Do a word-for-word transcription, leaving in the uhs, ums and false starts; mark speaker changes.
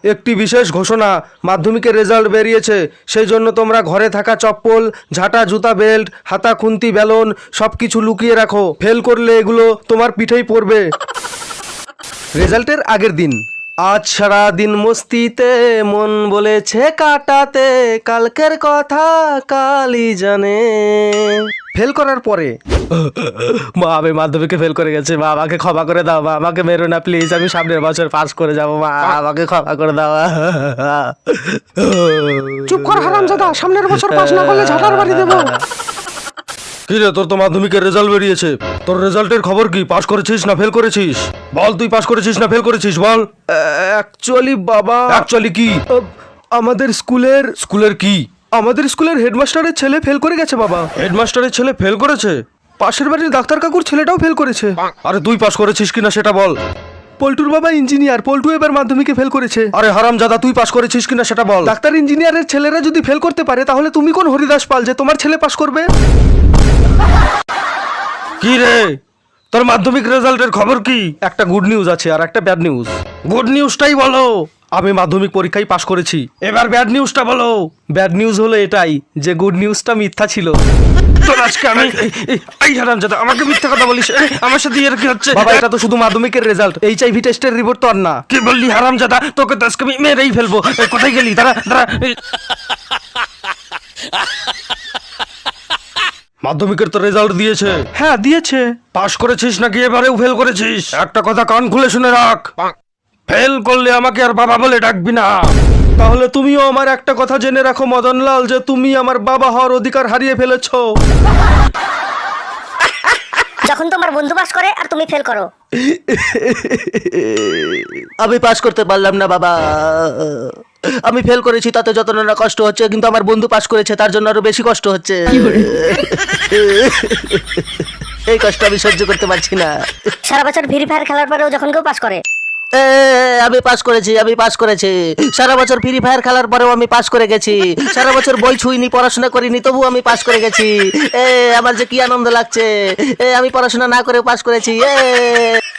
Speaker 1: একটি বিশেষ ঘোষণা, মাধ্যমিকের রেজাল্ট বেরিয়েছে, সেই জন্য তোমরা ঘরে থাকা চপ্পল, ঝাঁটা, জুতা, বেল্ট, হাতা, খুন্তি, বেলন সব কিছু লুকিয়ে রাখো। ফেল করলে এগুলো তোমার পিঠেই পড়বে। রেজাল্টের আগের দিন। আজ সারা দিন মস্তিতে মন বলেছে কাটাতে, কালকের কথা কালই জানে। ফেল করার পরে মা, আমি মাধ্যমিকে ফেল করে গেছে, মা আমাকে ক্ষমা করে দাও, মা আমাকে মেরো না প্লিজ, আমি সামনের বছর পাস করে যাবো, মা আমাকে ক্ষমা করে দাও।
Speaker 2: চুপ কর হারামজাদা, সামনের বছর পাস না করলে ঝাঁটার বাড়ি দেবো।
Speaker 1: কি রে, তোর তো মাধ্যমিকের রেজাল্ট বেরিয়েছে, তোর রেজাল্টের খবর কি? পাস করেছিস না ফেল করেছিস? বল, তুই পাস করেছিস না ফেল করেছিস, বল। অ্যাকচুয়ালি বাবা, অ্যাকচুয়ালি কি? আমাদের স্কুলের স্কুলের কি আমাদের স্কুলের হেডমাস্টারের ছেলে ফেল করে গেছে বাবা। হেডমাস্টারের ছেলে ফেল করেছে? পাশের বাড়ির ডাক্তার কাকুর ছেলেটাও ফেল করেছে। আরে তুই পাস করেছিস কিনা সেটা বল। পল্টুর বাবা ইঞ্জিনিয়ার, পল্টু এবার মাধ্যমিকে ফেল করেছে। আরে হারামজাদা, তুই পাস করেছিস কিনা সেটা বল। ডাক্তার ইঞ্জিনিয়ারের ছেলেরা যদি ফেল করতে পারে, তাহলে তুমি কোন হরিদাস পাল যে তোমার ছেলে পাস করবে? কি রে, তোর মাধ্যমিক রেজাল্টের খবর কি? একটা গুড নিউজ আছে আর একটা ব্যাড নিউজ। গুড নিউজটাই বলো। আমি মাধ্যমিক পরীক্ষায় পাশ করেছি। এবার ব্যাড নিউজটা বলো। ব্যাড নিউজ হলো এটাই যে গুড নিউজটা মিথ্যা ছিল। তোর আজকে আমি এই হারামজাদা, আমাকে মিথ্যা কথা বলিস, আমার সাথে এর কি হচ্ছে? বাবা, এটা তো শুধু মাধ্যমিকের রেজাল্ট, এইচআইভি টেস্টের রিপোর্ট তো আর না। কি বললি হারামজাদা? তোকে তো আজকে আমি মেরেই ফেলবো। কোথায় গেলি? দাঁড়া দাঁড়া। মাধ্যমিকের তো রেজাল্ট দিয়েছে। হ্যাঁ দিয়েছে। পাস করেছিস নাকি এবারেও ফেল করেছিস? একটা কথা কান খুলে শুনে রাখ, ফেল করলে আমাকে আর বাবা বলে ডাকবি না। তাহলে তুমিও আমার একটা কথা জেনে রাখো মদনলাল, যে তুমি আমার বাবা হওয়ার অধিকার হারিয়ে ফেলেছো।
Speaker 3: যখন তোমার বন্ধু পাস করে আর তুমি ফেল করো।
Speaker 4: আমি পাস করতে পারলাম না বাবা, আমি ফেল করেছি, তাতে যত না কষ্ট হচ্ছে, কিন্তু আমার বন্ধু পাস করেছে তার জন্য আরো বেশি কষ্ট হচ্ছে। এই কষ্ট আমি সহ্য করতে পারছি না।
Speaker 3: সারা বছর ফ্রি ফায়ার খেলার পরেও যখন কেউ পাস করে।
Speaker 4: এ, আমি পাস করেছি, আমি পাস করেছি, সারা বছর ফ্রি ফায়ার খেলার পরেও আমি পাস করে গেছি। সারা বছর বই ছুঁইনি, পড়াশোনা করিনি, তবু আমি পাস করে গেছি। এ আমার যে কি আনন্দ লাগছে, এ আমি পড়াশোনা না করে পাস করেছি। এ